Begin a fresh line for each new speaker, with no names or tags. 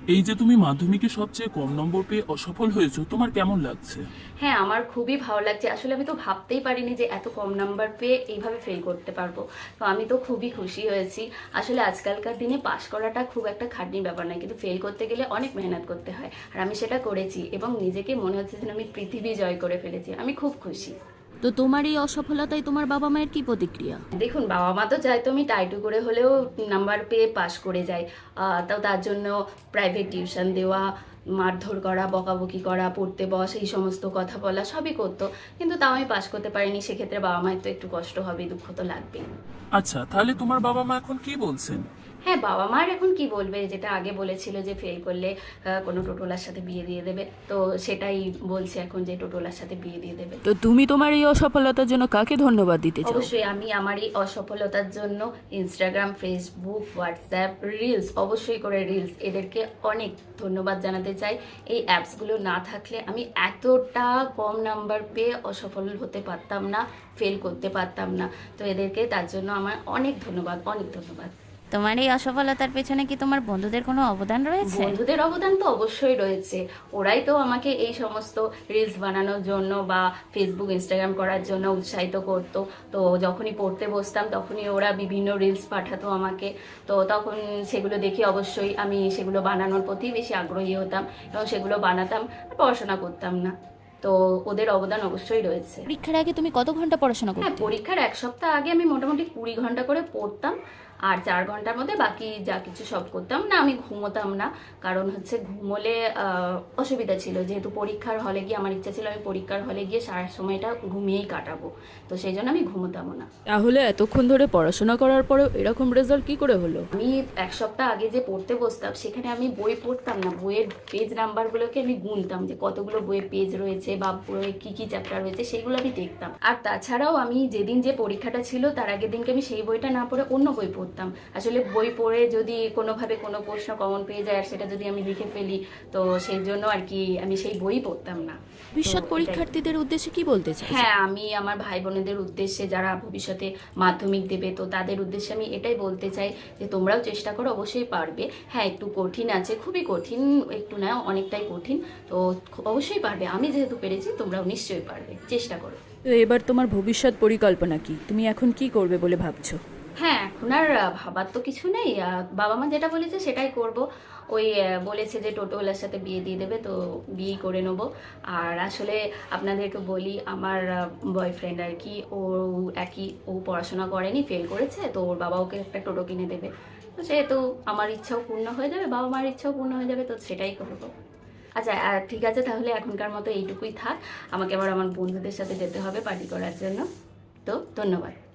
এই যে তুমি মাধ্যমিকে সবচেয়ে কম নম্বর পেয়ে অসফল হয়েছো, তোমার কেমন লাগছে?
হ্যাঁ, আমার খুবই ভালো লাগছে। আসলে আমি তো ভাবতেই পারিনি যে এত কম নাম্বার পেয়ে এইভাবে ফেল করতে পারবো। তো আমি তো খুবই খুশি হয়েছি। আসলে আজকালকার দিনে পাশ করাটা খুব একটা খাটনির ব্যাপার নয়, কিন্তু ফেল করতে গেলে অনেক মেহনত করতে হয়। আর আমি সেটা করেছি এবং নিজেকে মনে হচ্ছে যেন আমি পৃথিবী জয় করে ফেলেছি। আমি খুব খুশি।
তো তোমার এই অসফলতায় তোমার বাবা মায়ের কি প্রতিক্রিয়া?
দেখুন, বাবা মা তো চায় তো আমি টাইটু করে হলেও নাম্বার পেয়ে পাশ করে যাই। তো তার জন্য প্রাইভেট টিউশন দেওয়া, মারধর করা, বকাবকি করা, পড়তে বস, এই সমস্ত কথা বলা সবই করতো। কিন্তু তাও আমি পাশ করতে পারিনি, সেক্ষেত্রে বাবা মায়ের তো একটু কষ্ট হবে, দুঃখ তো লাগবেই।
আচ্ছা, তাহলে তোমার বাবা মা এখন কি বলছেন?
হ্যাঁ, বাবা মার এখন কি বলবে, যেটা আগে বলেছিল যে ফেল করলে কোনো টোটোলার সাথে বিয়ে দিয়ে দেবে, তো সেটাই বলছে এখন যে টোটোলার সাথে বিয়ে দিয়ে দেবে।
তো তুমি তোমার এই অসফলতার জন্য কাকে ধন্যবাদ দিতে চাও?
অবশ্যই আমি আমার এই অসফলতার জন্য ইনস্টাগ্রাম, ফেসবুক, হোয়াটসঅ্যাপ, রিলস, অবশ্যই করে রিলস, এদেরকে অনেক ধন্যবাদ জানাতে চাই। এই অ্যাপসগুলো না থাকলে আমি এতটা কম নাম্বার পেয়ে অসফল হতে পারতাম না, ফেল করতে পারতাম না। তো এদেরকে তার জন্য আমার অনেক ধন্যবাদ, অনেক ধন্যবাদ।
তোমার এই অসফলতার পেছনে কি তোমার বন্ধুদের কোনো অবদান রয়েছে?
বন্ধুদের অবদান তো অবশ্যই রয়েছে। ওরাই তো আমাকে এই সমস্ত রিলস বানানোর জন্য বা ফেসবুক, ইনস্টাগ্রাম করার জন্য উৎসাহিত করতো। তো যখনই পড়তে বসতাম তখনই ওরা বিভিন্ন রিলস পাঠাতো আমাকে। তো তখন সেগুলো দেখে অবশ্যই আমি সেগুলো বানানোর প্রতি বেশি আগ্রহী হতাম এবং সেগুলো বানাতাম, পড়াশোনা করতাম না। তো ওদের অবদান অবশ্যই রয়েছে।
পরীক্ষার আগে তুমি কত ঘন্টা পড়াশোনা
হ্যাঁ,
করতে?
পরীক্ষার এক সপ্তাহ আগে আমি মোটামুটি 20 ঘন্টা করে পড়তাম, আর 4 ঘন্টার মধ্যে বাকি যা কিছু সব করতাম। না, আমি ঘুমোতাম না, কারণ হচ্ছে ঘুমোলে অসুবিধা ছিল। যেহেতু পরীক্ষার হলে গিয়ে আমার ইচ্ছা ছিল আমি পরীক্ষার হলে গিয়ে সারা সময়টা ঘুমিয়েই কাটাবো, তো সেই জন্য আমি ঘুমোতামও না।
তাহলে এতক্ষণ ধরে পড়াশোনা করার পরেও এরকম রেজাল্ট কি করে হলো?
আমি এক সপ্তাহ আগে যে পড়তে বসতাম সেখানে আমি বই পড়তাম না, বইয়ের পেজ নাম্বারগুলোকে আমি গুনতাম যে কতগুলো বইয়ের পেজ রয়েছে বা বইয়ে কী কী চ্যাপ্টার রয়েছে, সেগুলো আমি দেখতাম। আর তাছাড়াও আমি যেদিন যে পরীক্ষাটা ছিল তার আগের দিনকে আমি সেই বইটা না পড়ে অন্য বই পড়তাম। আসলে বই পড়ে যদি কোনোভাবে কোনো প্রশ্ন কমন পেয়ে যায় আর সেটা যদি আমি লিখে ফেলি, তো সেই জন্য আর কি আমি সেই বই পড়তাম না।
ভবিষ্যৎ
তো এটাই।
পরীক্ষার্থীদের উদ্দেশ্যে কি বলতে চাই?
হ্যাঁ, আমি আমার ভাই বোনেদের উদ্দেশ্যে যারা ভবিষ্যতে মাধ্যমিক দেবে, তো তাদের উদ্দেশ্যে আমি এটাই বলতে চাই যে তোমরাও চেষ্টা করো, অবশ্যই পারবে। হ্যাঁ, একটু কঠিন আছে, খুবই কঠিন, একটু না অনেকটাই কঠিন। তো অবশ্যই পারবে, আমি যেহেতু পেরেছি তোমরাও নিশ্চয়ই পারবে, চেষ্টা করো।
তো এবার তোমার ভবিষ্যৎ পরিকল্পনা কি? তুমি এখন কি করবে বলে ভাবছো?
হ্যাঁ, এখন আর ভাবার তো কিছু নেই। বাবা মা যেটা বলেছে সেটাই করব। ওই বলেছে যে টোটোওয়ালার সাথে বিয়ে দিয়ে দেবে, তো বিয়ে করে নেব। আর আসলে আপনাদেরকে বলি, আমার বয়ফ্রেন্ড আর কি, ও একই, ও পড়াশোনা করেনি, ফেল করেছে, তো ওর বাবা ওকে একটা টোটো কিনে দেবে। তো সেহেতু আমার ইচ্ছাও পূর্ণ হয়ে যাবে, বাবা মার ইচ্ছাও পূর্ণ হয়ে যাবে, তো সেটাই করবো। আচ্ছা, ঠিক আছে, তাহলে এখনকার মতো এইটুকুই থাক। আমাকে আবার আমার বন্ধুদের সাথে যেতে হবে পার্টি করার জন্য। তো ধন্যবাদ।